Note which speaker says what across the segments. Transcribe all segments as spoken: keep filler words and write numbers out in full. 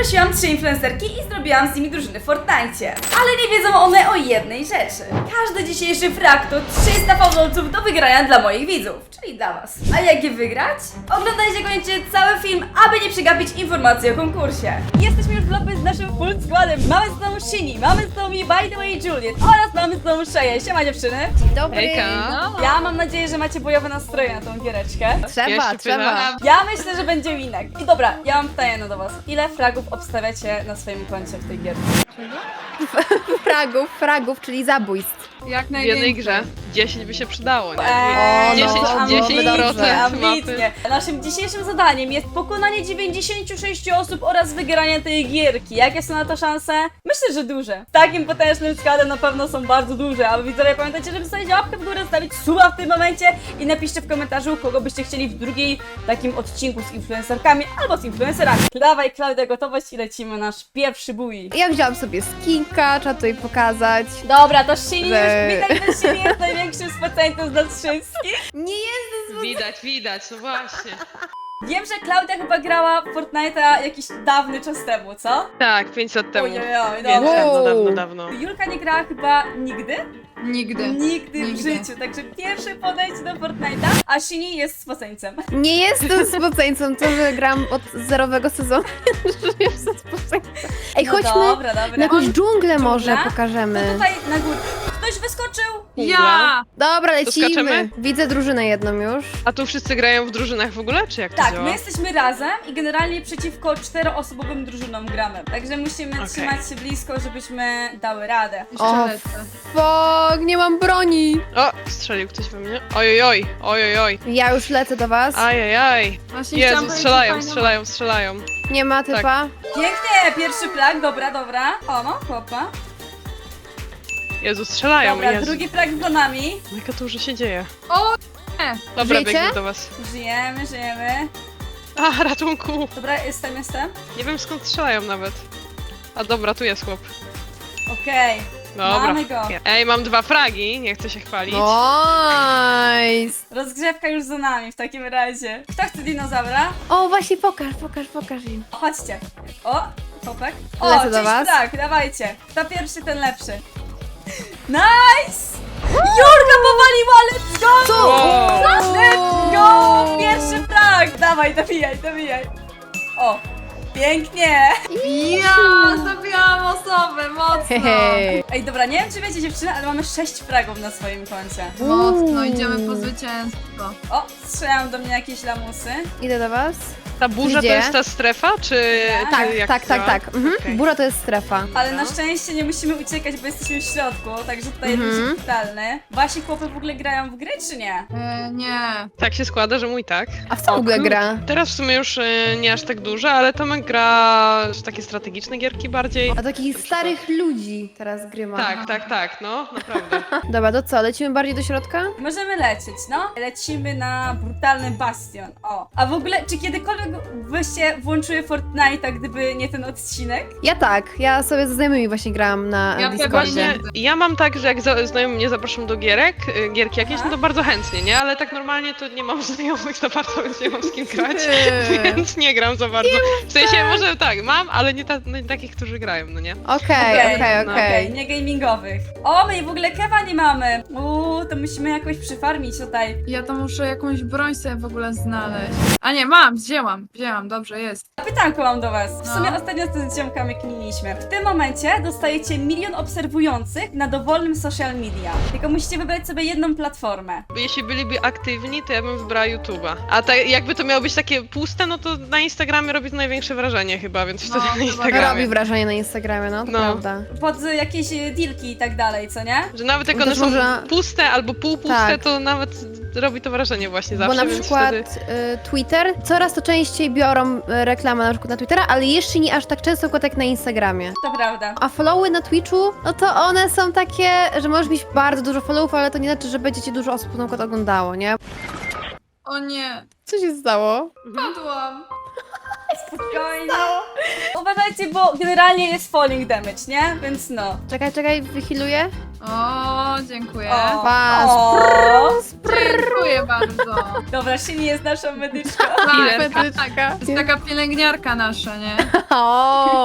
Speaker 1: Zaprosiłam trzy influencerki i zrobiłam z nimi drużyny w Fortnite. Ale nie wiedzą one o jednej rzeczy. Każdy dzisiejszy frag to trzysta fałdolców do wygrania dla moich widzów, czyli dla was. A jak je wygrać? Oglądajcie koniecznie cały film, aby nie przegapić informacji o konkursie. Jesteśmy już w lobby z naszym full składem. Mamy z nami Shini, mamy z nami By The Way Juliet oraz mamy z nami Szeję. Siema dziewczyny.
Speaker 2: Dzień dobry.
Speaker 3: Hejka.
Speaker 2: No.
Speaker 1: Ja mam nadzieję, że macie bojowe nastroje na tą giereczkę.
Speaker 2: Trzeba,
Speaker 3: Jeszcze
Speaker 2: trzeba.
Speaker 3: pytam.
Speaker 1: Ja myślę, że będzie winek. I dobra, ja mam pytanie do was. Ile fragów obstawiacie na swoim koncie w tej gierce?
Speaker 2: Fragów, fragów, czyli zabójstw.
Speaker 4: Jak
Speaker 3: W
Speaker 4: najwięcej.
Speaker 3: jednej grze dziesięć by się przydało, nie?
Speaker 1: Eee,
Speaker 3: dziesięć,
Speaker 1: no,
Speaker 3: dziesięć procent
Speaker 1: ambitnie,
Speaker 3: mapy.
Speaker 1: ambitnie. Naszym dzisiejszym zadaniem jest pokonanie dziewięćdziesięciu sześciu osób oraz wygranie tej gierki. Jakie są na to szanse? Myślę, że duże. W takim potężnym składzie na pewno są bardzo duże, ale widzowie pamiętajcie, żeby zostawić łapkę w górę, zostawić suba w tym momencie i napiszcie w komentarzu, kogo byście chcieli w drugiej takim odcinku z influencerkami albo z influencerami. Dawaj Klaudia, gotowość i lecimy nasz pierwszy bój.
Speaker 2: Ja wzięłam sobie skinka, trzeba tutaj pokazać.
Speaker 1: Dobra, to Shini już
Speaker 2: Że-
Speaker 1: widać, że Shini jest największym spoceńcem z nas wszystkich.
Speaker 2: Nie jest
Speaker 3: Widać, widać, no właśnie.
Speaker 1: Wiem, że Klaudia chyba grała w Fortnite'a jakiś dawny czas temu, co?
Speaker 3: Tak, pięć lat temu.
Speaker 1: Ojej,
Speaker 3: Więc
Speaker 1: dobra.
Speaker 3: dawno,
Speaker 2: Wow.
Speaker 3: dawno, dawno.
Speaker 1: Julka nie grała chyba nigdy?
Speaker 4: Nigdy.
Speaker 1: Nigdy w
Speaker 4: Nigdy.
Speaker 1: życiu, także pierwsze podejście do Fortnite'a, a Shini jest spoceńcem.
Speaker 2: Nie jestem spoceńcą, to że gram od zerowego sezonu. że jestem spoceńcą. Ej,
Speaker 1: No
Speaker 2: chodźmy
Speaker 1: dobra, dobra.
Speaker 2: na jakąś dżunglę może
Speaker 1: Dżungla?
Speaker 2: pokażemy.
Speaker 1: To tutaj na górę. Ktoś wyskoczył!
Speaker 4: Ja!
Speaker 2: Dobra, lecimy.
Speaker 3: skaczemy?
Speaker 2: Widzę drużynę jedną już.
Speaker 3: A tu wszyscy grają w drużynach w ogóle, czy jak to
Speaker 1: Tak,
Speaker 3: działa?
Speaker 1: my jesteśmy razem i generalnie przeciwko czteroosobowym drużynom gramy. Także musimy
Speaker 3: Okej.
Speaker 1: trzymać się blisko, żebyśmy dały radę.
Speaker 4: Jeszcze
Speaker 2: O,
Speaker 4: lecę.
Speaker 2: Fuck, nie mam broni.
Speaker 3: O, strzelił ktoś we mnie. Ojojoj, ojojoj.
Speaker 2: Ja już lecę do was.
Speaker 3: Ajajaj.
Speaker 4: Właśnie chciałam
Speaker 3: Jezu,
Speaker 4: powiedzieć,
Speaker 3: strzelają,
Speaker 4: że fajna
Speaker 3: strzelają, strzelają.
Speaker 2: Nie ma typa.
Speaker 1: Pięknie, pierwszy flag, dobra, dobra. O no, chłopa.
Speaker 3: Jezu, strzelają,
Speaker 1: Dobra,
Speaker 3: Jezu.
Speaker 1: drugi flag za nami.
Speaker 3: Jaka tu już się dzieje.
Speaker 4: O, nie.
Speaker 3: Dobra,
Speaker 2: Żyjecie?
Speaker 3: biegnę do was.
Speaker 1: Żyjemy, żyjemy.
Speaker 3: A, ratunku.
Speaker 1: Dobra, jestem, jestem.
Speaker 3: Nie wiem skąd strzelają nawet. A dobra, tu jest chłop.
Speaker 1: Okej.
Speaker 3: Dobra.
Speaker 1: Mamy go.
Speaker 3: Ej, mam dwa fragi, nie chcę się chwalić.
Speaker 2: Nice.
Speaker 1: Rozgrzewka już za nami w takim razie. Kto chce dinozaura?
Speaker 2: O, właśnie pokaż, pokaż, pokaż im.
Speaker 1: Chodźcie. O, chłopak. O,
Speaker 2: Lecę do
Speaker 1: cześć,
Speaker 2: was.
Speaker 1: tak, dawajcie. Kto pierwszy, ten lepszy. Nice! Jurka powaliła, let's go!
Speaker 2: Co?
Speaker 3: Wow.
Speaker 1: Let's go! Pierwszy flag! Dawaj, dobijaj, dobijaj. O, pięknie!
Speaker 4: Ja! Zabiłam osobę, mocno.
Speaker 2: Hej.
Speaker 1: Ej, dobra, nie wiem czy wiecie dziewczyny, ale mamy sześć fragów na swoim koncie.
Speaker 4: Mocno, idziemy po zwycięstwo.
Speaker 1: O, strzelają do mnie jakieś lamusy.
Speaker 2: Idę do was.
Speaker 3: Ta burza
Speaker 2: Gdzie?
Speaker 3: to jest ta strefa, czy,
Speaker 1: Tak,
Speaker 3: czy jak
Speaker 2: tak,
Speaker 3: to
Speaker 2: tak,
Speaker 3: działa?
Speaker 2: tak. Mhm.
Speaker 3: Okej.
Speaker 2: Burza to jest strefa.
Speaker 1: Ale na
Speaker 3: Dobra.
Speaker 1: szczęście nie musimy uciekać, bo jesteśmy w środku, także tutaj
Speaker 2: Mhm.
Speaker 1: jest totalny. Wasi chłopy w ogóle grają w gry, czy nie?
Speaker 4: E, nie.
Speaker 3: Tak się składa, że mój tak.
Speaker 2: A w co w ogóle
Speaker 3: kurde.
Speaker 2: gra?
Speaker 3: Teraz w sumie już y, nie aż tak duże, ale Tomek gra w takie strategiczne gierki bardziej.
Speaker 2: A takich starych ludzi teraz gry ma.
Speaker 3: Tak, tak, tak, no, naprawdę.
Speaker 2: Dobra, to co? Lecimy bardziej do środka?
Speaker 1: Możemy lecieć, no. Lecimy na brutalny bastion. O. A w ogóle, czy kiedykolwiek byście włączyły Fortnite'a, gdyby nie ten odcinek?
Speaker 2: Ja tak. Ja sobie ze znajomymi właśnie grałam na
Speaker 4: Ja
Speaker 2: Discordzie.
Speaker 4: właśnie-
Speaker 3: Ja mam tak, że jak za- znajomi mnie zapraszam do gierek, y, gierki jakieś,
Speaker 1: Aha.
Speaker 3: no to bardzo chętnie, nie? Ale tak normalnie to nie mam znajomych za bardzo, więc nie mam z kim grać,
Speaker 2: Eee.
Speaker 3: więc nie gram za bardzo. W sensie może tak, mam, ale nie, ta, no, nie takich, którzy grają, no nie?
Speaker 2: Okej,
Speaker 1: Okej,
Speaker 2: okej,
Speaker 3: no,
Speaker 2: okej.
Speaker 1: Nie gamingowych. O, my w ogóle kewa nie mamy. Uuu, to musimy jakoś przyfarmić tutaj.
Speaker 4: Ja to muszę jakąś broń sobie w ogóle znaleźć. A nie, mam, wzięłam, wzięłam, dobrze, jest.
Speaker 1: Pytanko mam do was. W
Speaker 4: No.
Speaker 1: sumie ostatnio z ziomkami kminiliśmy. W tym momencie dostajecie milion obserwujących na dowolnym social media. Tylko musicie wybrać sobie jedną platformę.
Speaker 3: Jeśli byliby aktywni, to ja bym wybrała YouTube'a. A tak, jakby to miało być takie puste, no to na Instagramie robi to największe wrażenie chyba, więc
Speaker 4: No,
Speaker 3: wtedy na
Speaker 4: chyba
Speaker 3: Instagramie.
Speaker 2: Robi wrażenie na Instagramie, no to
Speaker 3: No.
Speaker 2: prawda.
Speaker 1: Pod y, jakieś y, dealki i tak dalej, co nie?
Speaker 3: Że nawet jak
Speaker 2: Też
Speaker 3: one są
Speaker 2: może-
Speaker 3: puste albo półpuste,
Speaker 2: Tak.
Speaker 3: to nawet robi to wrażenie właśnie zawsze,
Speaker 2: Bo na
Speaker 3: więc
Speaker 2: przykład
Speaker 3: wtedy...
Speaker 2: y, Twitter, coraz to częściej biorą y, reklamę na przykład na Twittera, ale jeszcze nie aż tak często jak na Instagramie.
Speaker 1: To prawda.
Speaker 2: A followy na Twitchu, no to one są takie, że możesz mieć bardzo dużo followów, ale to nie znaczy, że będzie cię dużo osób na przykład oglądało, nie?
Speaker 4: O nie,
Speaker 2: Co się stało?
Speaker 4: padłam.
Speaker 1: Spokojnie. Uważajcie, bo generalnie jest falling damage, nie? Więc no.
Speaker 2: Czekaj, czekaj, wychiluję.
Speaker 4: O, dziękuję.
Speaker 1: O.
Speaker 2: Pa,
Speaker 1: O.
Speaker 4: Dziękuję bardzo.
Speaker 1: Dobra, Shini jest naszą medyczką.
Speaker 4: Tak,
Speaker 3: Ile?
Speaker 4: tak, tak. To jest taka pielęgniarka nasza, nie?
Speaker 2: O,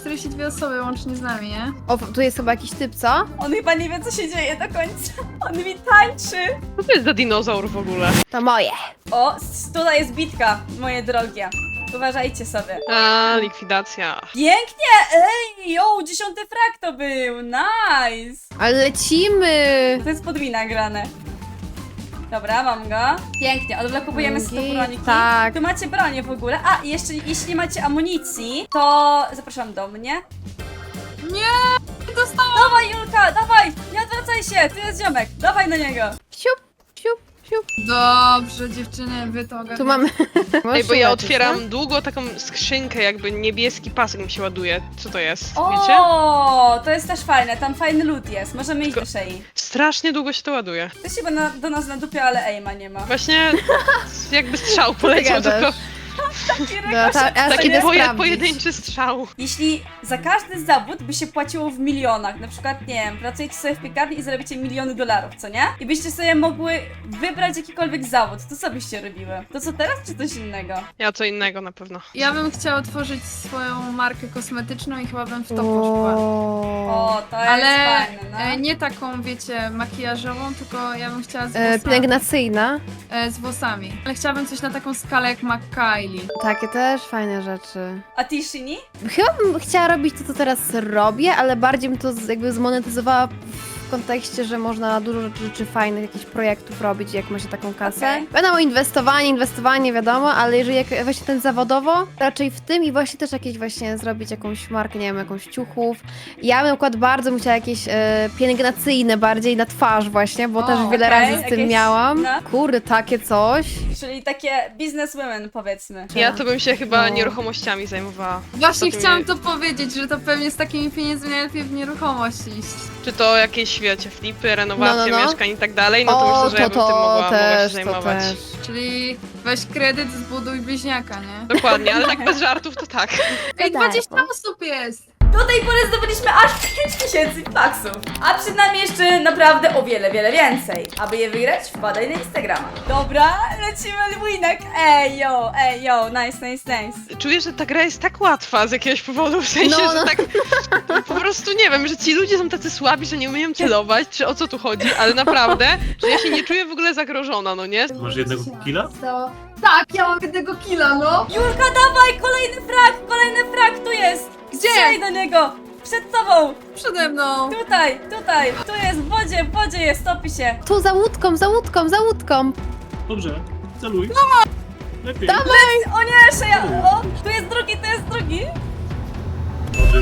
Speaker 4: czterdzieści dwie osoby łącznie z nami, nie?
Speaker 2: O, tu jest chyba jakiś typ, co?
Speaker 1: On chyba nie wie, co się dzieje do końca. On mi tańczy.
Speaker 3: Co to jest za dinozaur w ogóle?
Speaker 2: To moje.
Speaker 1: O, s- tutaj jest bitka, moje drogie. Uważajcie sobie.
Speaker 3: A, likwidacja.
Speaker 1: Pięknie! Ej, jo, dziesiąty frak to był. Nice!
Speaker 2: Ale lecimy!
Speaker 1: To jest podwina grane. Dobra, mam go. Pięknie, odblokowujemy sto
Speaker 2: Git,
Speaker 1: broniki.
Speaker 2: tak.
Speaker 1: Tu macie bronię w ogóle. A, i jeszcze jeśli nie macie amunicji, to zapraszam do mnie.
Speaker 4: Nie! Dostałam!
Speaker 1: Dawaj, Julka, dawaj! Nie odwracaj się, tu jest ziomek. Dawaj na niego.
Speaker 2: Siup, siup, siup.
Speaker 4: Dobrze, dziewczyny, wy to ogarniacie.
Speaker 2: Tu mamy...
Speaker 3: Ej,
Speaker 2: Możesz
Speaker 3: bo ja
Speaker 2: lecieć,
Speaker 3: otwieram
Speaker 2: no?
Speaker 3: długo taką skrzynkę, jakby niebieski pasek mi się ładuje. Co to jest? Wiecie?
Speaker 1: O, to jest też fajne, tam fajny loot jest. Możemy iść do szyi.
Speaker 3: Strasznie długo się to ładuje.
Speaker 1: To się na, do nas na dupie, ale aima nie ma.
Speaker 3: Właśnie jakby strzał poleciał,
Speaker 2: gadasz?
Speaker 3: tylko
Speaker 1: Taki
Speaker 2: No, ta,
Speaker 1: rykoszet.
Speaker 2: ja
Speaker 3: taki
Speaker 2: idę
Speaker 3: poje,
Speaker 2: sprawdzić.
Speaker 3: pojedynczy strzał.
Speaker 1: Jeśli za każdy zawód by się płaciło w milionach, na przykład, nie wiem, pracujecie sobie w piekarni i zarobicie miliony dolarów, co nie? I byście sobie mogły wybrać jakikolwiek zawód, to co byście robiły? To co teraz, czy coś innego?
Speaker 3: Ja co innego na pewno.
Speaker 4: Ja bym chciała otworzyć swoją markę kosmetyczną i chyba bym w to poszła.
Speaker 1: O, to
Speaker 4: Ale
Speaker 1: jest fajne, no.
Speaker 4: e, nie taką, wiecie, makijażową, tylko ja bym chciała z
Speaker 2: E,
Speaker 4: włosami.
Speaker 2: pielęgnacyjna.
Speaker 4: E, z włosami. Ale chciałabym coś na taką skalę jak McKaylee.
Speaker 2: Takie też fajne rzeczy.
Speaker 1: A ty, Shini?
Speaker 2: Chyba bym chciała robić to, co teraz robię, ale bardziej bym to z- jakby zmonetyzowała w kontekście, że można dużo rzeczy, rzeczy fajnych, jakichś projektów robić, jak ma się taką kasę.
Speaker 1: Okej.
Speaker 2: Wiadomo, inwestowanie, inwestowanie, wiadomo, ale jeżeli jak właśnie ten zawodowo, raczej w tym i właśnie też jakieś właśnie zrobić jakąś markę, nie wiem, jakąś ciuchów. Ja bym na przykład bardzo bym chciała jakieś e, pielęgnacyjne bardziej na twarz właśnie, bo
Speaker 1: O,
Speaker 2: też wiele
Speaker 1: okej,
Speaker 2: razy z tym
Speaker 1: jakieś-
Speaker 2: miałam.
Speaker 1: no.
Speaker 2: Kurde, takie coś.
Speaker 1: Czyli takie businesswomen, powiedzmy.
Speaker 3: Ja to bym się chyba
Speaker 2: No.
Speaker 3: nieruchomościami zajmowała.
Speaker 4: Właśnie
Speaker 3: To
Speaker 4: chciałam
Speaker 3: mnie-
Speaker 4: to powiedzieć, że to pewnie z takimi pieniędzmi najlepiej w nieruchomość iść.
Speaker 3: Czy to jakieś, wiecie, flipy, renowacje
Speaker 2: No, no, no.
Speaker 3: mieszkań i tak dalej, no to
Speaker 2: o,
Speaker 3: myślę, że ja
Speaker 2: to,
Speaker 3: bym tym mogła,
Speaker 2: to
Speaker 3: mogła się
Speaker 2: też, to
Speaker 3: zajmować.
Speaker 2: też.
Speaker 4: Czyli weź kredyt, zbuduj bliźniaka, nie?
Speaker 3: Dokładnie, ale tak bez żartów to tak.
Speaker 4: Ej,
Speaker 2: tak.
Speaker 4: dwadzieścia osób jest!
Speaker 1: Do tej pory zdobyliśmy aż pięć tysięcy faksów, a przed nami jeszcze naprawdę o wiele, wiele więcej. Aby je wygrać, wpadaj na Instagrama. Dobra, lecimy winek. Ej, yo, ej, yo, nice, nice, nice.
Speaker 3: Czuję, że ta gra jest tak łatwa z jakiegoś powodu, w sensie,
Speaker 2: No,
Speaker 3: że
Speaker 2: no.
Speaker 3: tak po prostu nie wiem, że ci ludzie są tacy słabi, że nie umieją celować, czy o co tu chodzi, ale naprawdę, że ja się nie czuję w ogóle zagrożona, no nie?
Speaker 5: Masz jednego killa?
Speaker 4: Tak, ja mam jednego killa, no!
Speaker 1: Julka, dawaj, kolejny frak, kolejny frak, tu jest.
Speaker 4: Gdzie?
Speaker 1: Strzelaj do niego, przed tobą,
Speaker 4: Przede mną!
Speaker 1: tutaj, tutaj, tu jest, w wodzie, w wodzie jest, topi się.
Speaker 2: Tu za łódką, za łódką, za łódką.
Speaker 5: Dobrze, celuj. Lepiej.
Speaker 1: O nie, szeja, o, tu jest drugi, tu jest drugi.
Speaker 5: Dobrze.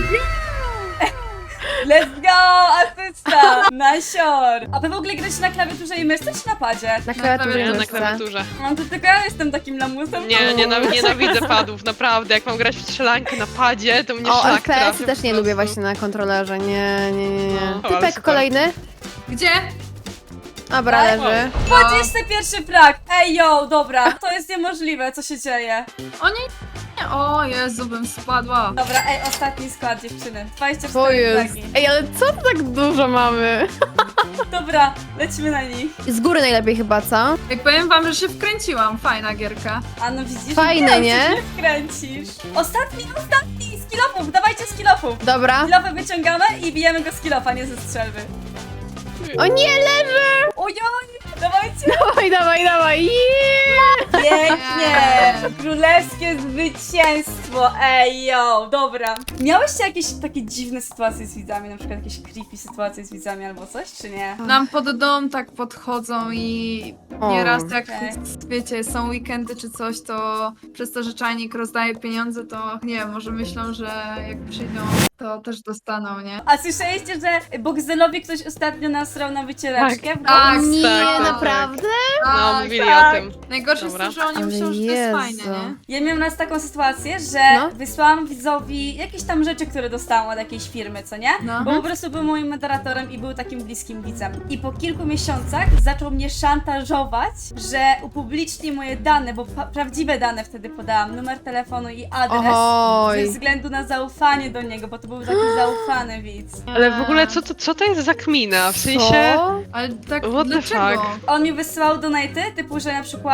Speaker 1: Let's go, asysta, nasior. A wy w ogóle gracie na klawiaturze i myszce, czy na padzie?
Speaker 2: Na klawiaturze.
Speaker 3: Ja na
Speaker 2: myszce.
Speaker 3: klawiaturze.
Speaker 1: Mam to tylko ja jestem takim lamusem.
Speaker 3: Nie, nienaw- nienawidzę padów, naprawdę. Jak mam grać w strzelankę na padzie, to mnie
Speaker 2: O,
Speaker 3: szlak
Speaker 2: F P S
Speaker 3: trafia
Speaker 2: też
Speaker 3: po
Speaker 2: nie lubię
Speaker 3: prostu.
Speaker 2: właśnie na kontrolerze, nie, nie, nie, nie.
Speaker 3: No, ale
Speaker 2: Typek
Speaker 3: super.
Speaker 2: kolejny.
Speaker 4: Gdzie?
Speaker 2: Dobra,
Speaker 1: Tak.
Speaker 2: leży.
Speaker 1: dwudziesty pierwszy frak. Ej, yo, dobra, to jest niemożliwe, co się dzieje.
Speaker 4: O nie, nie, o Jezu, bym spadła.
Speaker 1: Dobra, ej, ostatni skład, dziewczyny. dwadzieścia
Speaker 2: To
Speaker 1: cztery
Speaker 2: jest.
Speaker 1: fragi.
Speaker 2: Ej, ale co to tak dużo mamy?
Speaker 1: Dobra, lecimy na nich.
Speaker 2: Z góry najlepiej chyba, co?
Speaker 4: Jak powiem wam, że się wkręciłam, fajna gierka.
Speaker 1: A no widzisz,
Speaker 2: Fajne,
Speaker 1: wiem,
Speaker 2: nie?
Speaker 1: że się wkręcisz. Ostatni, ostatni, z kilofów, dawajcie z kilofów.
Speaker 2: Dobra.
Speaker 1: Kilofy wyciągamy i bijemy go z kilofa, nie ze strzelby.
Speaker 2: O nie, leży!
Speaker 1: Ojoj, dawajcie.
Speaker 2: Dawaj, dawaj, dawaj. Yeah!
Speaker 1: Pięknie! Królewskie zwycięstwo! Ej, yo! Dobra. Miałyście jakieś takie dziwne sytuacje z widzami? Na przykład jakieś creepy sytuacje z widzami albo coś, czy nie?
Speaker 4: Nam pod dom tak podchodzą i
Speaker 2: O,
Speaker 4: nieraz jak,
Speaker 1: okej.
Speaker 4: wiecie, są weekendy czy coś, to przez to, że czajnik rozdaje pieniądze, to nie wiem, może myślą, że jak przyjdą, to też dostaną, nie?
Speaker 1: A słyszeliście, że Bogzelowi ktoś ostatnio nasrał na wycieraczkę? w
Speaker 4: Tak,
Speaker 1: dom?
Speaker 2: Nie,
Speaker 3: tak, tak.
Speaker 2: naprawdę?
Speaker 3: No,
Speaker 4: Tak,
Speaker 3: mówili
Speaker 1: tak.
Speaker 3: o tym.
Speaker 4: Najgorsze
Speaker 3: Dobra.
Speaker 4: jest to, że oni
Speaker 2: Ale
Speaker 4: myślą, że to jest
Speaker 2: Jezu.
Speaker 4: fajne, nie?
Speaker 1: Ja miałam raz taką sytuację, że
Speaker 2: No.
Speaker 1: wysłałam widzowi jakieś tam rzeczy, które dostałam od jakiejś firmy, co nie?
Speaker 4: No.
Speaker 1: Bo po prostu był moim moderatorem i był takim bliskim widzem. I po kilku miesiącach zaczął mnie szantażować, że upubliczni moje dane, bo pa- prawdziwe dane wtedy podałam, numer telefonu i adres. Ze
Speaker 2: Oj.
Speaker 1: względu na zaufanie do niego, bo to był taki zaufany widz.
Speaker 3: Ale w ogóle co to, co to jest za kmina? W sensie...
Speaker 2: Co?
Speaker 4: Ale tak,
Speaker 3: What the
Speaker 4: dlaczego?
Speaker 3: fuck?
Speaker 1: On mi wysyłał donaty, typu, że na przykład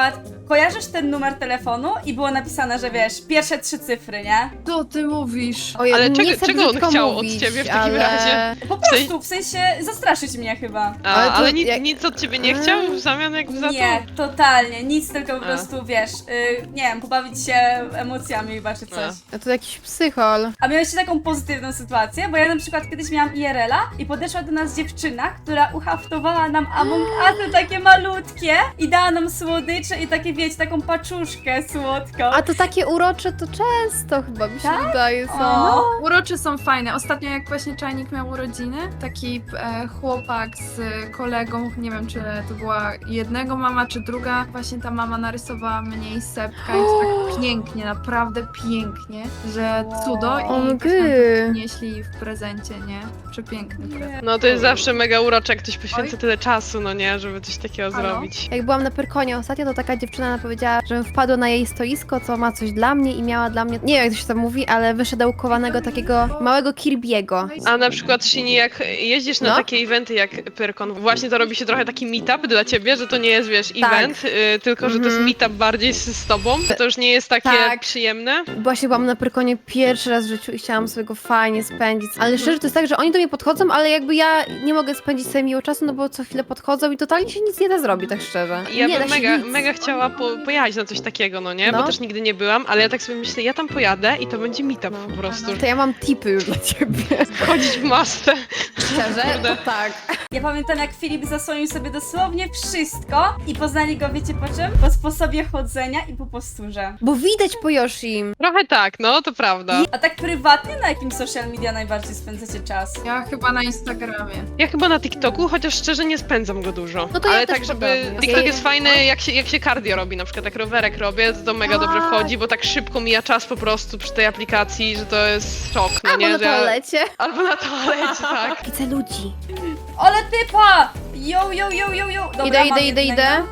Speaker 1: kojarzysz ten numer telefonu i było napisane, że wiesz, pierwsze trzy cyfry, nie?
Speaker 4: Co ty mówisz?
Speaker 2: Ojej,
Speaker 3: Ale
Speaker 2: nie
Speaker 3: czego-
Speaker 2: chcę
Speaker 3: czego on
Speaker 2: brzydko
Speaker 3: chciał od
Speaker 2: mówić,
Speaker 3: ciebie w takim
Speaker 2: ale...
Speaker 3: razie?
Speaker 1: Po prostu, w sensie zastraszyć mnie chyba.
Speaker 3: A,
Speaker 2: Ale
Speaker 3: ale
Speaker 2: to
Speaker 3: nic,
Speaker 2: jak-
Speaker 3: nic od ciebie nie chciał w zamian jakby za
Speaker 1: Nie,
Speaker 3: to?
Speaker 1: totalnie, nic, tylko po
Speaker 3: A.
Speaker 1: prostu, wiesz, y, nie wiem, pobawić się emocjami chyba czy coś.
Speaker 2: A to jakiś psychol.
Speaker 1: A miałeś taką pozytywną sytuację, bo ja na przykład kiedyś miałam I R L-a i podeszła do nas dziewczyna, która uhaftowała nam Among Usy takie malutkie i dała nam słodycze i takie, wiecie, taką paczuszkę słodką.
Speaker 2: A to takie urocze to często chyba mi się
Speaker 1: Tak?
Speaker 2: wydaje są.
Speaker 1: O.
Speaker 4: Urocze są fajne. Ostatnio jak właśnie Czajnik miał urodziny, taki e, chłopak z kolegą, nie wiem czy to była jednego mama czy druga, właśnie ta mama narysowała mnie i Sepka i to tak pięknie, naprawdę pięknie, że cudo i
Speaker 2: O,
Speaker 4: właśnie
Speaker 2: gry.
Speaker 4: nieśli w prezencie, nie? Przepiękny prezent.
Speaker 3: No to jest zawsze mega urocze, jak ktoś poświęca
Speaker 4: Oj.
Speaker 3: tyle czasu, no nie, żeby coś takiego
Speaker 4: Halo?
Speaker 3: zrobić.
Speaker 2: Jak byłam na Pyrkonie ostatnio, to taka dziewczyna nam powiedziała, żebym wpadła na jej stoisko, co ma coś dla mnie i miała dla mnie, nie wiem jak to się tam mówi, ale wyszedełkowanego takiego małego Kirby'ego.
Speaker 3: A na przykład, Shini, jak jeździsz na
Speaker 2: No.
Speaker 3: takie eventy jak Pyrkon, właśnie to robi się trochę taki meetup dla ciebie, że to nie jest, wiesz,
Speaker 2: Tak.
Speaker 3: event, y, tylko że to jest
Speaker 2: Mhm.
Speaker 3: meetup bardziej z, z tobą. To już nie jest takie
Speaker 2: Tak.
Speaker 3: przyjemne.
Speaker 2: Właśnie byłam na Pyrkonie pierwszy raz w życiu i chciałam sobie go fajnie spędzić. Ale szczerze to jest tak, że oni do mnie podchodzą, ale jakby ja nie mogę spędzić sobie miło czasu, no bo co chwilę podchodzą i totalnie się nic nie da zrobić, tak szczerze.
Speaker 3: I ja
Speaker 2: nie da
Speaker 3: bym
Speaker 2: się
Speaker 3: mega,
Speaker 2: nic.
Speaker 3: mega chciała po, pojechać na coś takiego, no nie?
Speaker 2: No.
Speaker 3: Bo też nigdy nie byłam, ale ja tak sobie myślę, ja tam pojadę i to będzie meetup
Speaker 2: No.
Speaker 3: po prostu.
Speaker 2: To ja mam tipy już dla ciebie.
Speaker 3: Chodzić w masce.
Speaker 2: Szczerze?
Speaker 3: Kurde.
Speaker 2: To tak.
Speaker 1: Ja pamiętam, jak Filip zasłonił sobie dosłownie wszystko i poznali go, wiecie po czym? Po sposobie chodzenia i po posturze.
Speaker 2: Bo widać po Yoshim.
Speaker 3: Trochę tak, no to prawda.
Speaker 1: A tak prywatnie, na jakim social media najbardziej spędzacie czas?
Speaker 4: Ja chyba na Instagramie.
Speaker 3: Ja chyba na TikToku, chociaż szczerze nie spędzam go dużo.
Speaker 2: No to ja
Speaker 3: ale
Speaker 2: też
Speaker 3: tak, żeby.
Speaker 2: podobnie.
Speaker 3: TikTok
Speaker 2: Ja-
Speaker 3: jest fajny, jak się, jak się cardio robi, na przykład jak rowerek robię, to, to mega
Speaker 1: Tak.
Speaker 3: dobrze wchodzi, bo tak szybko mija czas po prostu przy tej aplikacji, że to jest szok, no
Speaker 2: Albo
Speaker 3: nie?
Speaker 2: na
Speaker 3: że ja-
Speaker 2: toalecie.
Speaker 3: Albo na toalecie, tak.
Speaker 2: Widzę ludzi.
Speaker 1: Ale typa! Yo, yo, yo, yo, yo! Dobra,
Speaker 2: Idę,
Speaker 1: mam
Speaker 2: idę, idę,
Speaker 1: jednego.
Speaker 2: idę.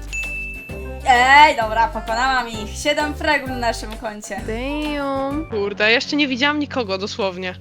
Speaker 1: Ej, dobra, pokonałam ich. Siedem fragów na naszym koncie.
Speaker 2: Damn.
Speaker 3: Kurde, jeszcze nie widziałam nikogo, dosłownie.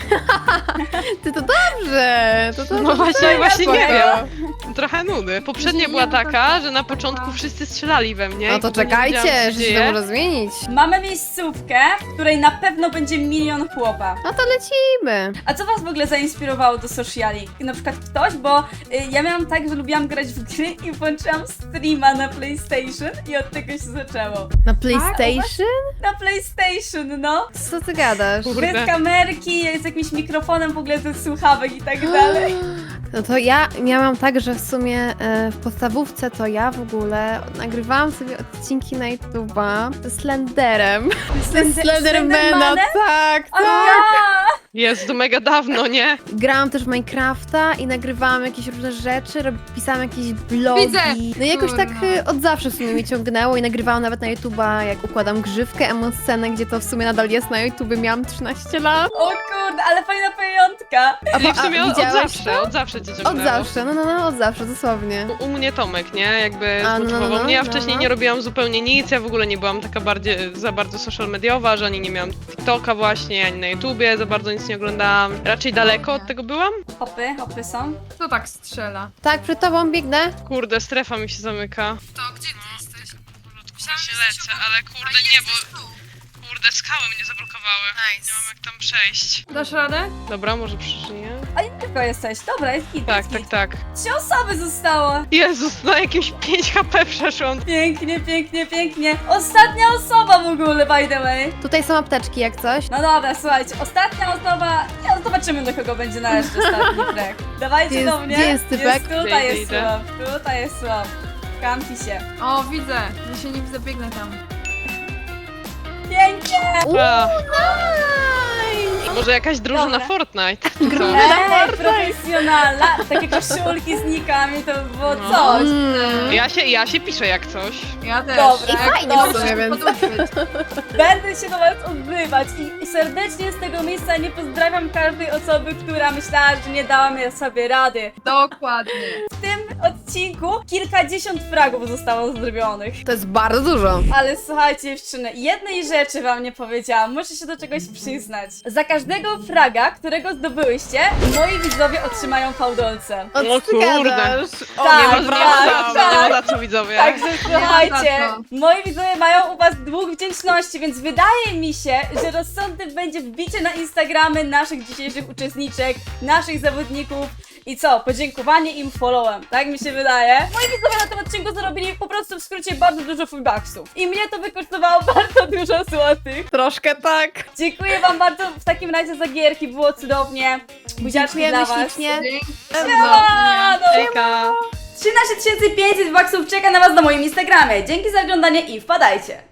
Speaker 2: Ty to dobrze. To, to,
Speaker 3: No
Speaker 2: to
Speaker 3: właśnie, właśnie nie
Speaker 2: spoko.
Speaker 3: wiem. Trochę nudy. Poprzednia
Speaker 4: Nie,
Speaker 3: była
Speaker 4: no to-
Speaker 3: taka, że na początku wszyscy strzelali we mnie.
Speaker 2: No
Speaker 3: i
Speaker 2: to
Speaker 3: w ogóle nie wiedziałam, co
Speaker 2: czekajcie,
Speaker 3: się
Speaker 2: że się to
Speaker 3: dzieje.
Speaker 2: może zmienić.
Speaker 1: Mamy miejscówkę, w której na pewno będzie milion chłopa.
Speaker 2: No to lecimy.
Speaker 1: A co was w ogóle zainspirowało do sociali? Na przykład ktoś, bo y, ja miałam tak, że lubiłam grać w gry i włączyłam streama na PlayStation i od tego się zaczęło.
Speaker 2: Na PlayStation?
Speaker 1: Na PlayStation, no.
Speaker 2: Co ty gadasz?
Speaker 3: Kurde.
Speaker 1: Bez kamerki, z jakimś mikrofonem w ogóle ze słuchawek i tak dalej.
Speaker 2: No to ja miałam tak, że w sumie e, w podstawówce to ja w ogóle nagrywałam sobie odcinki na YouTube'a ze Slenderem. Ze
Speaker 1: Slender-
Speaker 2: Slendermana,
Speaker 1: Slendermanem?
Speaker 2: tak,
Speaker 1: A
Speaker 2: tak.
Speaker 1: ja!
Speaker 3: Jest to mega dawno, nie?
Speaker 2: Grałam też w Minecrafta i nagrywałam jakieś różne rzeczy, rob, pisałam jakieś blogi.
Speaker 4: Widzę!
Speaker 2: No i jakoś tak
Speaker 4: Kurna.
Speaker 2: e, od zawsze w sumie mnie ciągnęło i nagrywałam nawet na YouTube'a, jak układam grzywkę, emoscenę, gdzie to w sumie nadal jest na YouTubie, miałam trzynaście lat.
Speaker 1: O kurde, ale fajna pamiątka.
Speaker 2: A,
Speaker 3: I w sumie od, od
Speaker 2: widziałeś
Speaker 3: zawsze,
Speaker 2: to?
Speaker 3: od zawsze cię
Speaker 2: Od
Speaker 3: ciągnęło.
Speaker 2: zawsze, no no no, od zawsze, dosłownie.
Speaker 3: U, u mnie Tomek, nie? Jakby
Speaker 2: A, no,
Speaker 3: zmotywował
Speaker 2: no,
Speaker 3: mnie. Ja
Speaker 2: no,
Speaker 3: wcześniej
Speaker 2: no.
Speaker 3: nie robiłam zupełnie nic, ja w ogóle nie byłam taka bardziej, za bardzo social mediowa, że ani nie miałam TikToka właśnie, ani na YouTubie, za bardzo nic nie oglądałam. Raczej daleko od tego byłam.
Speaker 1: Hopy, hopy są.
Speaker 4: Kto tak strzela?
Speaker 2: Tak, przed tobą biegnę.
Speaker 3: Kurde, strefa mi się zamyka.
Speaker 4: To gdzie ty jesteś?
Speaker 3: Ja się lecę, ale kurde nie, bo kurde skały mnie zablokowały. Nie mam jak tam przejść.
Speaker 4: Dasz radę?
Speaker 3: Dobra, może przeżyję.
Speaker 1: A nie tylko jesteś. Dobra, jest git,
Speaker 3: Tak,
Speaker 1: jest
Speaker 3: tak,
Speaker 1: git.
Speaker 3: tak.
Speaker 1: Trzy osoby zostało.
Speaker 3: Jezus, na jakimś pięć H P przeszłam.
Speaker 1: Pięknie, pięknie, pięknie. Ostatnia osoba w ogóle, by the way.
Speaker 2: Tutaj są apteczki jak coś.
Speaker 1: No dobra, słuchajcie, ostatnia osoba. Ja zobaczymy, do kogo będzie należeć ostatni frag. Dawajcie
Speaker 2: Gdzie jest-
Speaker 1: do mnie.
Speaker 2: gdzie jest typek?
Speaker 1: Jest, tutaj
Speaker 3: Idę,
Speaker 1: jest
Speaker 3: idę.
Speaker 1: słab, tutaj jest słab. Kampi się.
Speaker 4: O, widzę. Ja się nim zabiegnę tam.
Speaker 1: Pięknie!
Speaker 3: A,
Speaker 2: Nice!
Speaker 3: może jakaś drużyna
Speaker 1: Dobra.
Speaker 3: Fortnite? Co?
Speaker 1: Ej, profesjonalna. Takie koszulki z nikami to by było
Speaker 3: No.
Speaker 1: coś.
Speaker 2: Mm.
Speaker 3: Ja się, ja się piszę jak coś.
Speaker 4: Ja też.
Speaker 1: Dobra,
Speaker 2: I fajnie
Speaker 1: dobrze.
Speaker 2: w sumie, więc...
Speaker 1: Będę się do was odbywać i serdecznie z tego miejsca nie pozdrawiam każdej osoby, która myślała, że nie dała mi sobie rady.
Speaker 4: Dokładnie.
Speaker 1: W tym odcinku odcinku kilkadziesiąt fragów zostało zrobionych.
Speaker 2: To jest bardzo dużo.
Speaker 1: Ale słuchajcie dziewczyny, jednej rzeczy wam nie powiedziałam, muszę się do czegoś przyznać. Za każdego fraga, którego zdobyłyście, moi widzowie otrzymają fałdolce.
Speaker 2: O,
Speaker 3: O
Speaker 2: co ty
Speaker 3: kurde.
Speaker 2: gadasz? O,
Speaker 1: Tak,
Speaker 3: nie ma
Speaker 1: tak,
Speaker 3: za,
Speaker 1: tak.
Speaker 3: nie ma za co widzowie.
Speaker 1: Także słuchajcie,
Speaker 4: za co.
Speaker 1: moi widzowie mają u was dług wdzięczności, więc wydaje mi się, że rozsądne będzie wbicie na Instagramy naszych dzisiejszych uczestniczek, naszych zawodników i co, podziękowanie im followem, tak mi się wydaje. Moi widzowie na tym odcinku zarobili po prostu w skrócie bardzo dużo fullbacksów i mnie to wykosztowało bardzo dużo złotych.
Speaker 2: Troszkę tak.
Speaker 1: Dziękuję wam bardzo w takim razie za gierki, było cudownie. Buziaczki dla
Speaker 2: Dziękujemy
Speaker 1: was.
Speaker 2: ślicznie.
Speaker 4: Dzięki.
Speaker 1: Siema, no.
Speaker 3: Hejka.
Speaker 1: trzynaście tysięcy pięćset baksów czeka na was na moim Instagramie. Dzięki za oglądanie i wpadajcie!